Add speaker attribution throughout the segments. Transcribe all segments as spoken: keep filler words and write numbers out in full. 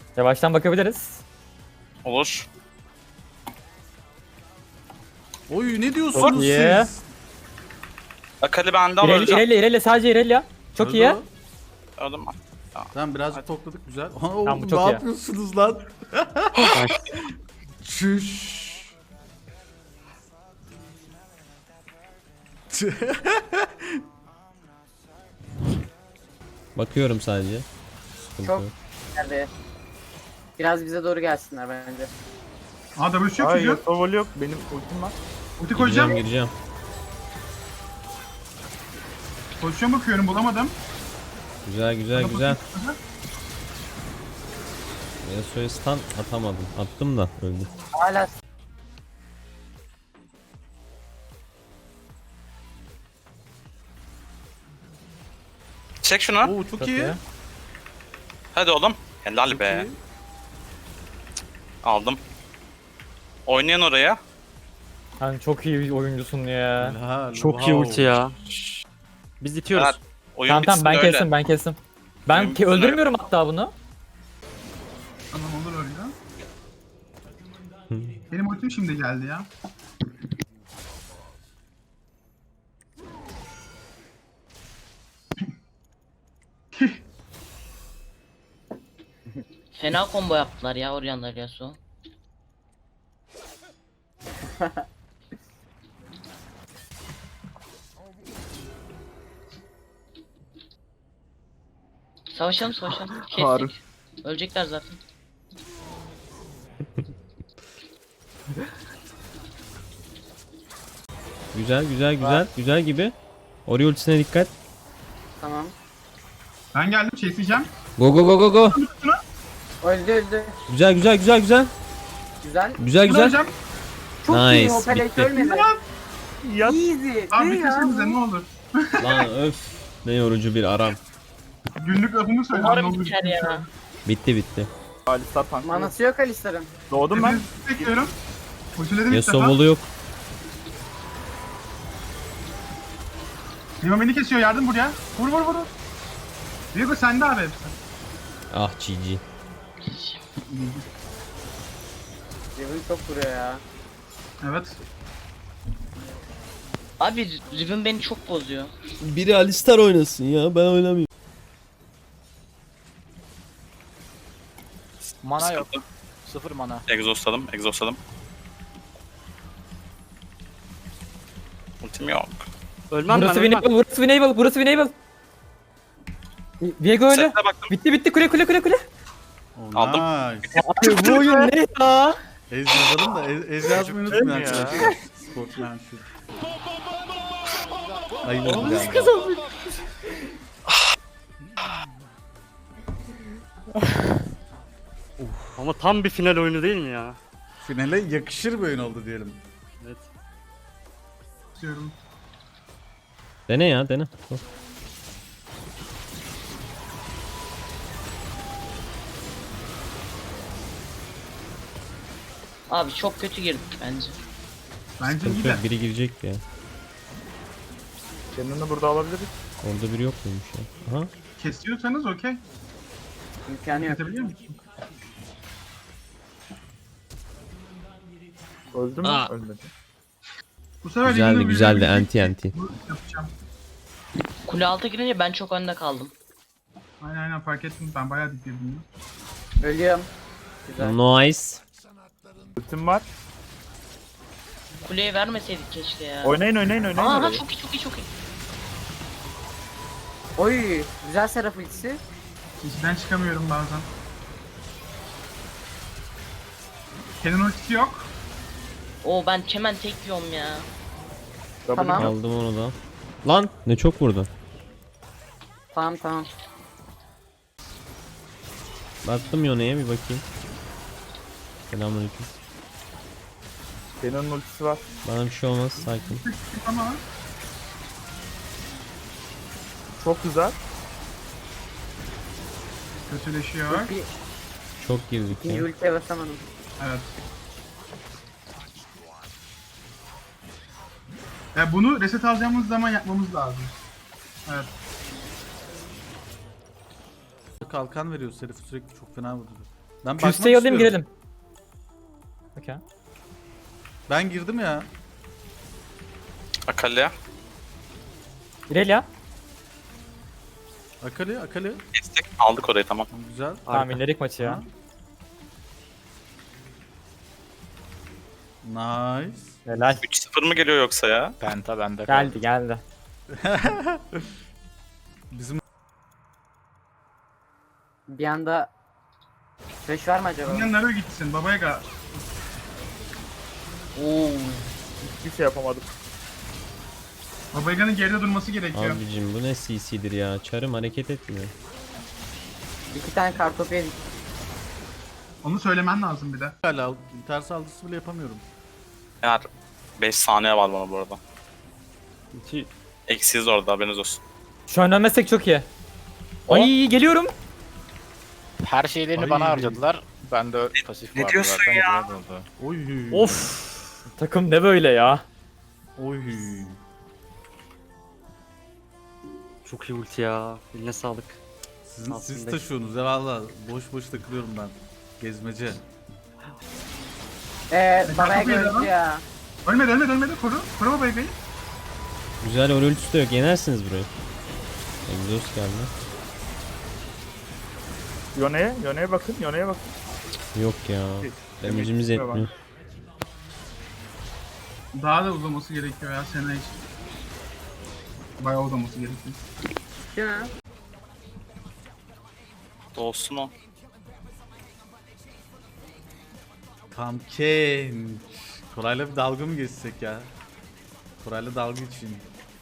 Speaker 1: Yavaştan bakabiliriz.
Speaker 2: Olur.
Speaker 3: Oy ne diyorsunuz
Speaker 1: Çok iyi.
Speaker 3: siz?
Speaker 2: Akali benden
Speaker 1: İreli,
Speaker 2: öleceğim.
Speaker 1: İreli, İreli sadece İreli ya. Çok
Speaker 3: Öldü
Speaker 1: iyi.
Speaker 3: o.
Speaker 2: Öldüm ben.
Speaker 3: Tamam birazcık tokladık güzel. Aa,
Speaker 1: Tamam,
Speaker 3: oğlum,
Speaker 1: bu çok
Speaker 3: ne
Speaker 1: iyi.
Speaker 3: yapıyorsunuz lan? Çüş.
Speaker 4: Bakıyorum sadece. Sıkıntı
Speaker 5: Çok
Speaker 4: yok.
Speaker 5: geldi. Biraz bize doğru gelsinler bence.
Speaker 6: Aa W yok
Speaker 7: Hayır,
Speaker 6: çocuğun.
Speaker 7: Sovol yok. Benim ultim var.
Speaker 6: Ulti
Speaker 4: Gireceğim
Speaker 6: koyacağım.
Speaker 4: gireceğim.
Speaker 6: Pozisyon bakıyorum bulamadım.
Speaker 4: Güzel güzel güzel. Yasuo'ya stun atamadım. Attım da öldü.
Speaker 5: Hala
Speaker 2: Çek şunu.
Speaker 3: Oo çok,
Speaker 1: Çok
Speaker 3: iyi.
Speaker 1: iyi.
Speaker 2: Hadi oğlum. Helal
Speaker 3: Çok
Speaker 2: be.
Speaker 3: iyi.
Speaker 2: Aldım. Oynayan oraya.
Speaker 1: Sen çok iyi bir oyuncusun ya.
Speaker 3: Helal,
Speaker 7: Çok iyi
Speaker 3: wow.
Speaker 7: ulti ya. Biz itiyoruz.
Speaker 2: Evet. Oyun
Speaker 1: Tamam tamam ben
Speaker 2: bitsin öyle.
Speaker 1: kestim ben kestim. Ben
Speaker 2: Oyun
Speaker 1: ki
Speaker 2: bitsin
Speaker 1: öldürmüyorum hatta bunu.
Speaker 6: Tamam olur öyle. Benim ultim şimdi geldi ya.
Speaker 8: Fena combo yaptılar ya Orianna Yasuo. Savaşalım savaşalım.
Speaker 7: Harun.
Speaker 8: Kestik. Ölecekler zaten.
Speaker 4: Güzel güzel güzel güzel gibi. Ori ultisine dikkat.
Speaker 5: tamam.
Speaker 6: Ben geldim chaseyeceğim.
Speaker 4: Go go go go go.
Speaker 5: Öldü öldü.
Speaker 4: Güzel güzel güzel güzel.
Speaker 5: Güzel.
Speaker 4: Güzel
Speaker 6: Güzel.
Speaker 4: güzel.
Speaker 5: Çok iyi
Speaker 4: Nice,
Speaker 5: o pelek
Speaker 4: bitti.
Speaker 5: ölmedi.
Speaker 7: Yat.
Speaker 5: Easy.
Speaker 6: Abi
Speaker 5: Ne ya?
Speaker 6: bitirsenize ne olur.
Speaker 4: Lan öf. Ne yorucu bir aram.
Speaker 6: Günlük lafımı söyle.
Speaker 8: Umarım
Speaker 6: ne olur.
Speaker 8: biter ya.
Speaker 4: Bitti bitti.
Speaker 7: Alistar tank.
Speaker 5: Manası yok Alistar'ın.
Speaker 7: Doğdum ben.
Speaker 6: Hepinizi bekliyorum. Ultiledim ilk
Speaker 4: Yasuo
Speaker 6: defa.
Speaker 4: bolu yok.
Speaker 6: Nima beni kesiyor yardım buraya. Vur vur vur. Viego sende abi hepsi.
Speaker 4: Ah G G.
Speaker 5: Riven çok vuruyor ya.
Speaker 6: Evet.
Speaker 8: Abi Riven beni çok bozuyor.
Speaker 4: Biri Alistar oynasın ya ben oynamayayım.
Speaker 7: Mana yok.
Speaker 2: Sıkıntı.
Speaker 7: Sıfır mana.
Speaker 2: Exhaustladım. Exhaustladım. Ultim yok.
Speaker 7: Ölmem
Speaker 1: Burası
Speaker 7: ben ölmem.
Speaker 1: Winnable, burası Winnable, burası Winnable. Viego öyle.
Speaker 2: Sete baktım.
Speaker 1: Bitti bitti kule kule kule kule.
Speaker 3: Oh,
Speaker 2: Aldım.
Speaker 3: Nice.
Speaker 1: Abi bu oyun ne ya?
Speaker 3: Ez yazalım da ez, ez yazmayı unutmayın
Speaker 7: Değil mi ya?
Speaker 3: arkadaşlar. Sportsmanship. Ayıp oldu yani.
Speaker 7: Ama tam bir final oyunu değil mi ya?
Speaker 3: Finale yakışır bir oyun oldu diyelim.
Speaker 7: Evet.
Speaker 6: Diyorum.
Speaker 4: Dene ya dene. Go.
Speaker 8: Abi çok kötü girdik bence.
Speaker 6: Bence iyi
Speaker 4: Sıkıntı
Speaker 6: de.
Speaker 4: yok, biri girecek ya.
Speaker 7: Kendini burada alabiliriz.
Speaker 4: Orada biri yok muymuş ya? Aha.
Speaker 6: Kesiyorsanız okey.
Speaker 5: İmkanı yok.
Speaker 6: Kesebiliyor musun?
Speaker 7: Öldü mü?
Speaker 4: Aa.
Speaker 7: Ölmedi.
Speaker 6: Bu sefer
Speaker 4: Güzeldi
Speaker 6: Livin'in
Speaker 4: güzeldi
Speaker 6: üzerine bir
Speaker 4: anti
Speaker 6: şey
Speaker 4: anti.
Speaker 6: yapacağım.
Speaker 8: Kule altı girince ben çok önde kaldım.
Speaker 6: Aynen aynen fark ettim. Ben bayağı dik girdim.
Speaker 5: Ölüyorum. Güzel.
Speaker 4: Nice.
Speaker 7: Ultim var.
Speaker 8: Kuleye vermeseydik keşke ya.
Speaker 7: Oynayın oynayın oynayın.
Speaker 8: Aa
Speaker 7: orayı.
Speaker 8: çok iyi çok iyi çok iyi.
Speaker 5: Oy. Güzel Seraph ultisi.
Speaker 6: İçinden çıkamıyorum bazen. Kenan ultisi yok.
Speaker 8: Oo ben hemen tek yiyorum ya.
Speaker 7: W
Speaker 5: Tamam.
Speaker 7: yok.
Speaker 4: Aldım onu da. Lan ne çok vurdu.
Speaker 5: Tamam tamam.
Speaker 4: Baktım Yone'ye bir bakayım. Selamünaleyküm.
Speaker 7: Kenan'ın ultisi var.
Speaker 4: Bana bir şey olmaz sakin.
Speaker 6: Ama
Speaker 7: Çok güzel.
Speaker 6: kötüleşiyor.
Speaker 5: Bir,
Speaker 4: Çok girdik
Speaker 5: bir
Speaker 4: ya.
Speaker 5: ultiye basamadım.
Speaker 6: Evet. Ya bunu reset alacağımız zaman yapmamız lazım. Evet.
Speaker 3: Kalkan veriyor Serif sürekli çok fena vurdu. Ben bakmak
Speaker 1: Küsteyi alayım
Speaker 3: istiyorum.
Speaker 1: girelim. Okey.
Speaker 3: Ben girdim ya.
Speaker 2: Akali'ye.
Speaker 1: İrelia.
Speaker 3: Akali, Akali.
Speaker 2: Kestik. Aldık orayı tamam.
Speaker 3: Güzel.
Speaker 1: Tamam inerik maçı ya.
Speaker 3: Ha. Nice.
Speaker 1: Helal.
Speaker 2: üç sıfır mı geliyor yoksa ya?
Speaker 9: Penta bende.
Speaker 1: Geldi geldi.
Speaker 3: Bizim
Speaker 5: Bir anda Flash var mı acaba?
Speaker 6: Sen nereye gitsin babaya ga?
Speaker 8: Oo.
Speaker 7: Hiçbir şey yapamadım.
Speaker 6: Babayaga'nın geride durması gerekiyor.
Speaker 4: Abicim bu ne C C'dir ya. Çarım hareket etmiyor.
Speaker 5: İki tane kartopu yedik.
Speaker 6: Onu söylemen lazım bir de.
Speaker 3: hala ters saldırısı bile yapamıyorum.
Speaker 2: Eğer beş saniye var bana bu arada. Eksiyiz orada haberiniz olsun.
Speaker 1: Şu an ölmezsek çok iyi. Ay geliyorum.
Speaker 9: Her şeylerini
Speaker 3: Ay.
Speaker 9: bana harcadılar. Ben de pasif
Speaker 2: ne
Speaker 9: vardı
Speaker 2: diyorsun
Speaker 9: zaten.
Speaker 2: ya?
Speaker 9: güzel oldu.
Speaker 3: Oy.
Speaker 1: Of. Takım ne böyle ya?
Speaker 3: Oy.
Speaker 10: Çok iyi ulti ya. Eline sağlık.
Speaker 3: Sizin, siz
Speaker 10: Aslında-
Speaker 3: taşıyorsunuz ya valla. Boş boş takılıyorum ben. Gezmece.
Speaker 5: Eee
Speaker 6: kartopu
Speaker 5: babaya
Speaker 6: yedi lan.
Speaker 5: gördü ya.
Speaker 6: Ölmedi ölmedi ölmedi koru. Koru Babayaga'yı.
Speaker 4: Güzel oraya ultisi de yok. Yenersiniz burayı. Exhaust geldi.
Speaker 7: Yone'ye, Yone'ye bakın, Yone'ye bakın.
Speaker 4: Yok ya. Damage'imiz
Speaker 7: Demek ki
Speaker 4: yetmiyor.
Speaker 6: Daha da uzaması gerekiyor ya sene için. Bayağı uzaması gerekiyor.
Speaker 5: Değil mi?
Speaker 2: Dolsun o.
Speaker 3: Tamken. Koray'la bir dalga mı geçsek ya? Koray'la dalga için.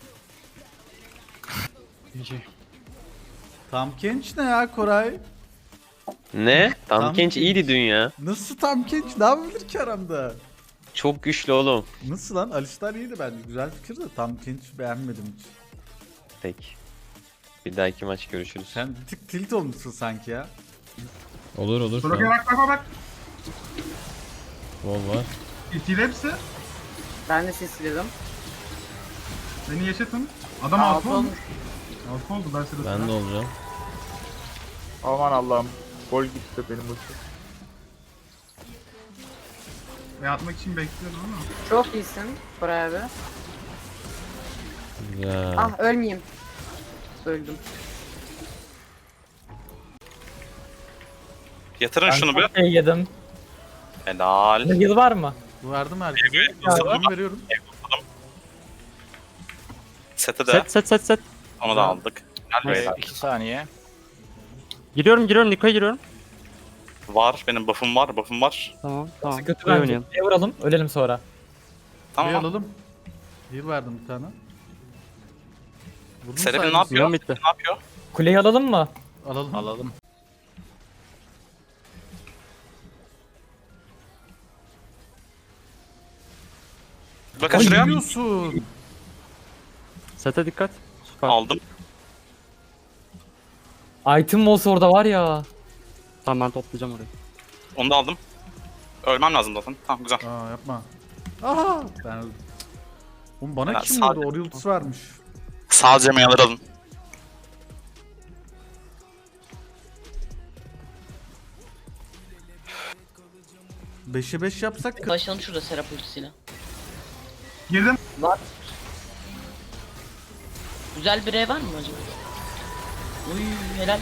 Speaker 3: Tamkenç ne ya Koray?
Speaker 10: Ne?
Speaker 3: Tam
Speaker 10: Tam genç
Speaker 3: genç.
Speaker 10: iyiydi dün ya.
Speaker 3: Nasıl Tamkenç? Ne yapabilir ki aramda?
Speaker 10: Çok güçlü oğlum.
Speaker 3: Nasıl lan? Alistar iyiydi bence. Güzel fikir de Tamkenç beğenmedim hiç.
Speaker 10: Peki. Bir dahaki maç görüşürüz.
Speaker 3: Sen bir tık tilt olmuşsun sanki ya.
Speaker 4: Olur olur.
Speaker 6: Soraka
Speaker 4: Tamam.
Speaker 6: bak bak bak bak.
Speaker 4: Wall var.
Speaker 6: İtil hepsi.
Speaker 5: Ben de sisledim.
Speaker 6: Beni yaşatın. Adam
Speaker 5: Altı
Speaker 6: altı olmuş.
Speaker 5: olmuş.
Speaker 6: Altı oldu ben sırasına.
Speaker 4: Ben de olacağım.
Speaker 7: Aman Allah'ım. Gol gitti benim ulti.
Speaker 6: Ve atmak için bekliyordum ama.
Speaker 5: Çok iyisin Koray abi.
Speaker 4: Güzel.
Speaker 5: Ah ölmeyeyim. Öldüm.
Speaker 2: Yatırın şunu bir.
Speaker 1: Şey yedim.
Speaker 2: Helal.
Speaker 1: Yıl var mı?
Speaker 3: Verdim herkese.
Speaker 2: Ego'yu
Speaker 3: Yardımımı veriyorum.
Speaker 2: Sete de.
Speaker 10: Set set set set.
Speaker 2: Onu da aldık. Gel
Speaker 9: Ee,
Speaker 2: beyler.
Speaker 9: iki saniye.
Speaker 10: Giriyorum giriyorum Niko'ya giriyorum.
Speaker 2: Var. Benim buff'um var. Buff'um var.
Speaker 10: Tamam tamam.
Speaker 1: Kötü
Speaker 10: Buraya
Speaker 1: bence.
Speaker 10: oynayalım.
Speaker 1: Bir vuralım ölelim sonra.
Speaker 3: Bir
Speaker 2: Tamam.
Speaker 3: alalım. Heal verdim bir tane. Vurdum
Speaker 2: Serap'in ne
Speaker 3: sayesinde.
Speaker 2: yapıyor?
Speaker 10: Yön bitti.
Speaker 2: Ne yapıyor?
Speaker 1: Kuleyi alalım mı?
Speaker 3: Alalım.
Speaker 9: Alalım.
Speaker 2: Bakın
Speaker 3: Ay,
Speaker 2: şuraya.
Speaker 3: yiyorsun.
Speaker 10: Sete dikkat. Süper.
Speaker 2: Aldım.
Speaker 1: Item olsa orada var ya.
Speaker 10: Tamam ben toplayacağım orayı.
Speaker 2: Onu da aldım. Ölmem lazım zaten. Tamam güzel.
Speaker 3: Aa yapma. Aha. Ben öldüm. Oğlum bana
Speaker 2: Ya,
Speaker 3: kim
Speaker 2: sadece-
Speaker 3: vurdu? Oraya ultisi varmış.
Speaker 2: Sadece mayaları alın.
Speaker 3: beşe beş yapsak kı-
Speaker 8: Başlayalım şurada Serap ultisiyle.
Speaker 6: Girdim.
Speaker 8: Güzel bir E var mı acaba? Uy helal.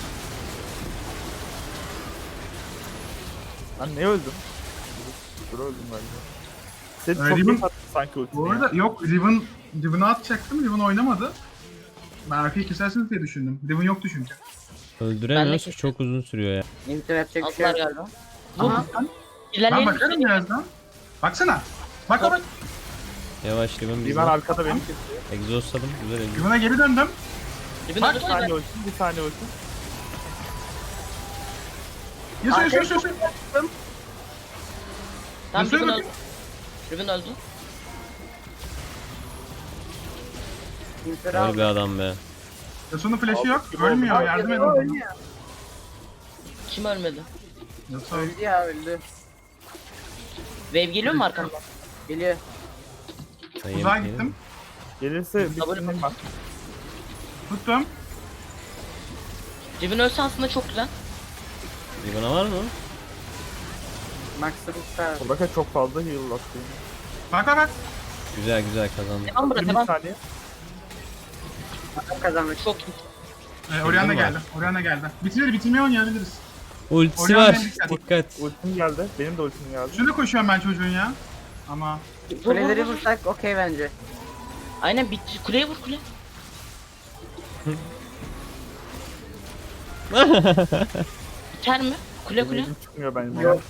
Speaker 7: Ben ne öldüm? Dur öldüm galiba. Sen
Speaker 6: Öyle
Speaker 7: çok
Speaker 6: mi?
Speaker 7: iyi attın sanki ultiyi.
Speaker 6: Bu arada yok Riven, Riven'ı atacaktım. Riven oynamadı. Ben arkayı kesersiniz diye düşündüm. Riven yoktu çünkü.
Speaker 4: Öldüremiyoruz.
Speaker 8: kesin.
Speaker 4: Çok uzun sürüyor ya.
Speaker 5: İntihar yapacak bir şey
Speaker 8: Aldılar
Speaker 5: yok.
Speaker 8: galiba.
Speaker 5: Aha.
Speaker 6: Ben
Speaker 8: İlerleyelim.
Speaker 6: bakarım birazdan. Baksana. Bak bak.
Speaker 4: Yavaş Riven
Speaker 7: Riven
Speaker 4: bizden.
Speaker 7: arkada benim.
Speaker 4: Exhaustladım. Güzel exhaust.
Speaker 6: Riven'a geri döndüm.
Speaker 8: Dibine
Speaker 6: Bak,
Speaker 7: Bir
Speaker 8: öldürsene.
Speaker 7: saniye ulti, bir saniye ulti.
Speaker 6: Yasuo yasuo yasuo.
Speaker 8: Tamam
Speaker 6: Yasuo'ya
Speaker 8: Riven
Speaker 6: bakın.
Speaker 8: öldü. Riven öldü.
Speaker 5: İntihar
Speaker 4: Vay
Speaker 5: aldım.
Speaker 4: be adam be.
Speaker 6: Yasuo'nun flash'ı yok.
Speaker 7: Aldık gibi
Speaker 6: Ölmüyor.
Speaker 7: oldu.
Speaker 6: Yardım edin.
Speaker 5: Ölmüyor.
Speaker 8: Kim ölmedi?
Speaker 6: Yasuo.
Speaker 5: Öldü ya öldü.
Speaker 8: Wave geliyor mu arkamdan?
Speaker 5: Geliyor.
Speaker 4: Sen
Speaker 6: Uzağa
Speaker 4: yemek
Speaker 6: gittim.
Speaker 7: Gelirse bir
Speaker 8: Double
Speaker 7: sinir var.
Speaker 6: Tuttum.
Speaker 8: Riven ölse aslında çok güzel.
Speaker 4: yedin. Riven'a var mı?
Speaker 5: Max'ı tutar.
Speaker 7: Buradaki çok fazla heal attı.
Speaker 6: Bak bak bak.
Speaker 4: Güzel güzel kazandı.
Speaker 8: Devam bırak
Speaker 7: yirmi
Speaker 8: devam.
Speaker 7: saniye.
Speaker 5: Kazandık.
Speaker 8: Çok iyi.
Speaker 6: Ee, Orianna
Speaker 4: mi
Speaker 6: geldi. Orianna geldi. Bitirir bitirmeye oynayabiliriz.
Speaker 4: Ultisi
Speaker 6: Orianna
Speaker 4: var.
Speaker 6: en dikkat.
Speaker 4: Dikkat.
Speaker 7: Ultim geldi. Benim de ultim geldi.
Speaker 6: Şurada koşuyorum ben çocuğun ya. Ama
Speaker 5: Kuleleri vursak okey bence.
Speaker 8: Aynen bitti. Kuleye vur kule. Biter mi? Kule kule.
Speaker 7: Ultim çıkmıyor benim.
Speaker 5: Yok.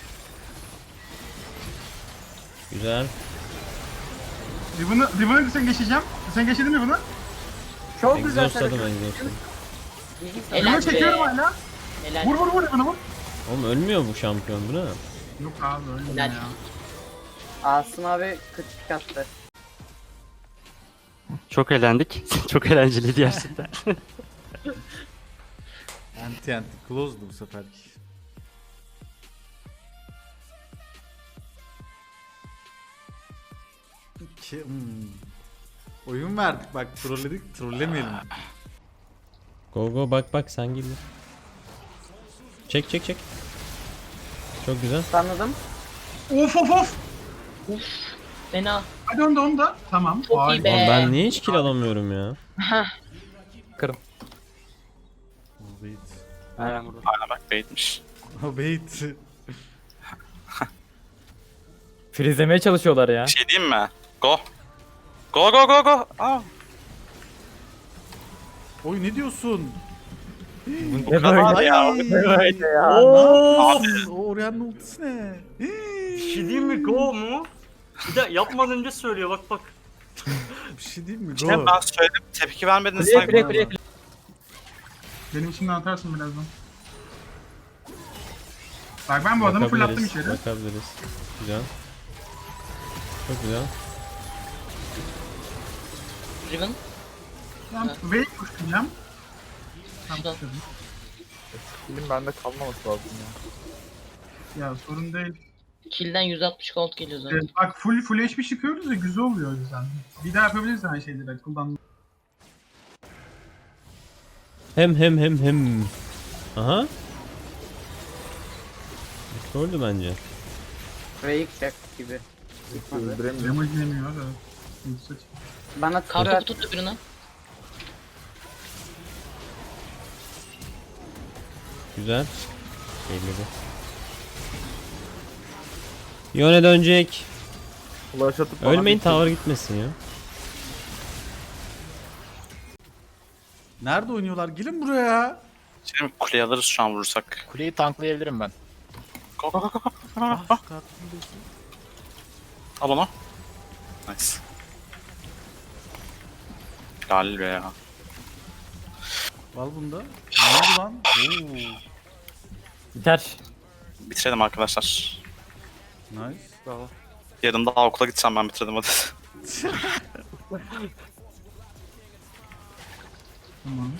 Speaker 4: Güzel.
Speaker 6: Riven'ı Riven'ı sen geçeceğim. Sen geçedin mi bunu?
Speaker 5: Çok güzel.
Speaker 4: Exhaustladım
Speaker 5: sarı.
Speaker 4: exhaustladım.
Speaker 8: Helal
Speaker 6: Riven'ı
Speaker 8: be.
Speaker 6: çekiyorum hala.
Speaker 8: Helal.
Speaker 6: Vur vur vur Riven'ı vur.
Speaker 4: Oğlum ölmüyor bu şampiyon bu ne?
Speaker 6: Yok abi öyle
Speaker 8: Helal.
Speaker 6: ya.
Speaker 5: Asım abi kritik attı.
Speaker 10: Çok eğlendik. Çok eğlenceliydi gerçekten.
Speaker 3: Anti anti close'du bu sefer. Ki, hmm. Oyun verdik bak trolledik trollemeyelim.
Speaker 4: Go go bak bak sen gibi. Çek çek çek. Çok güzel.
Speaker 5: Anladım.
Speaker 6: Of of of.
Speaker 8: Fena.
Speaker 6: Hadi onu da onu da. Tamam.
Speaker 8: Çok iyi
Speaker 6: Harika.
Speaker 8: be.
Speaker 4: Oğlum ben niye hiç kill alamıyorum ya?
Speaker 1: Kırım.
Speaker 3: O bait.
Speaker 10: Aynen burada.
Speaker 2: Aynen bak baitmiş.
Speaker 3: O bait.
Speaker 1: Freezelemeye çalışıyorlar ya.
Speaker 2: Bir şey diyeyim mi? Go. Go go go go. Aa.
Speaker 3: Oy ne diyorsun?
Speaker 1: Ne
Speaker 2: kadar
Speaker 1: böyle
Speaker 2: ya.
Speaker 1: Ne böyle ya.
Speaker 3: Aa, o Orianna ultisi ne?
Speaker 11: Bir şey diyeyim mi? Go mu? Bir de yapmadan önce söylüyor bak bak.
Speaker 3: Bir şey değil mi?
Speaker 2: İşte
Speaker 3: Go.
Speaker 2: ben söyledim tepki vermediniz
Speaker 1: Kuleye
Speaker 2: sanki.
Speaker 1: kuleye kuleye. kuleye.
Speaker 6: Benim içimden atarsın birazdan. Bak ben bu adamı fırlattım
Speaker 4: Bakabiliriz,
Speaker 6: içeri.
Speaker 4: bakabiliriz. Güzel. Çok güzel.
Speaker 8: Riven.
Speaker 6: Ben Wave koşacağım. Tam
Speaker 8: Şuradan.
Speaker 6: koşuyorum.
Speaker 7: Kilim bende kalmaması lazım ya.
Speaker 6: Ya sorun değil.
Speaker 8: Kill'den yüz altmış gold geliyor zaten.
Speaker 6: Evet, bak full full H P çıkıyoruz ya güzel oluyor o yüzden. Bir daha yapabiliriz aynı şeyleri kullan.
Speaker 4: Hem hem hem hem. Aha. Gördü bence.
Speaker 5: Rake check gibi. Çıkmadı.
Speaker 7: Öldüremiyorum.
Speaker 6: Damage yemiyor evet. Yoksa çık-
Speaker 5: Bana
Speaker 8: Kartopu
Speaker 5: tutar.
Speaker 8: tut öbürüne.
Speaker 4: Güzel. Elledi. Yone dönecek.
Speaker 7: Flash atıp bana
Speaker 4: Ölmeyin
Speaker 7: bir-
Speaker 4: tower gitmesin ya.
Speaker 3: Nerede oynuyorlar? Gelin buraya.
Speaker 2: Şimdi kuleyi alırız şu an vurursak.
Speaker 9: Kuleyi tanklayabilirim ben.
Speaker 2: Go go go go.
Speaker 3: Ah, şu kartını da-
Speaker 2: Al onu. Nice. Galil be ya.
Speaker 3: Al bunda. Ne oldu lan? Oo.
Speaker 1: Biter.
Speaker 2: Bitirelim arkadaşlar.
Speaker 3: Nice.
Speaker 10: Bravo.
Speaker 2: Yarın daha okula gideceğim ben bitirdim hadi.
Speaker 6: Tamam.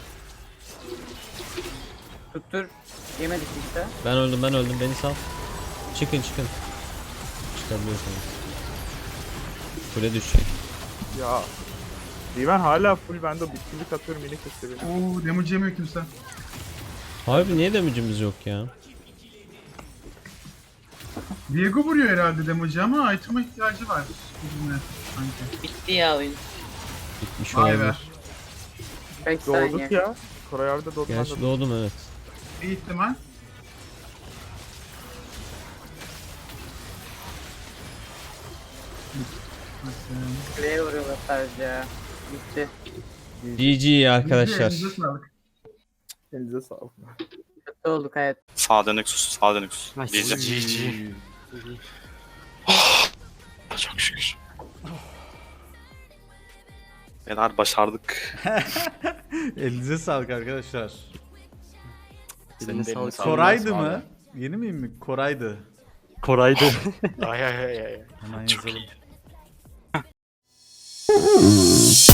Speaker 5: Tuttur. Yemedik işte.
Speaker 4: Ben öldüm ben öldüm beni sal. Çıkın çıkın. Çıkabiliyorsunuz. Kule düşecek.
Speaker 7: Ya. Riven hala full bende bitkilik atıyorum yine kesiyor beni.
Speaker 6: Oo damage yemiyor kimse.
Speaker 4: Harbi niye damage'imiz yok ya?
Speaker 6: Diego vuruyor herhalde damage'ı ama item'a ihtiyacı var. Bizimle sanki.
Speaker 8: Bitti ya oyun.
Speaker 4: Bitmiş
Speaker 6: Vay be.
Speaker 4: olabilir.
Speaker 5: beş saniye.
Speaker 7: Doğduk ya. Koray abi de doğdu. ben de
Speaker 4: Gerçi
Speaker 7: doğdum.
Speaker 4: doğdum evet.
Speaker 6: Bir ihtimal. Nasıl?
Speaker 5: Kuleye vuruyorlar sadece ya. Bitti.
Speaker 4: G G arkadaşlar.
Speaker 6: Elinize sağlık.
Speaker 7: Elinize sağlık.
Speaker 5: Kötü olduk hayat.
Speaker 2: Sağ dönük sus, sağ dönük sus.
Speaker 10: Nice.
Speaker 2: Diyeceğim. Çok şükür. Beyler başardık.
Speaker 3: Elinize sağlık arkadaşlar.
Speaker 9: Senin
Speaker 10: Eline
Speaker 9: de eline
Speaker 10: sağlık.
Speaker 9: sağlık.
Speaker 3: Koray'dı
Speaker 9: Sağ ol.
Speaker 3: mı? Yeni miyim mi? Koray'dı.
Speaker 10: Koray'dı.
Speaker 9: Ay ay ay ay.
Speaker 3: Hemen
Speaker 2: Çok
Speaker 3: yazalım.
Speaker 2: iyi.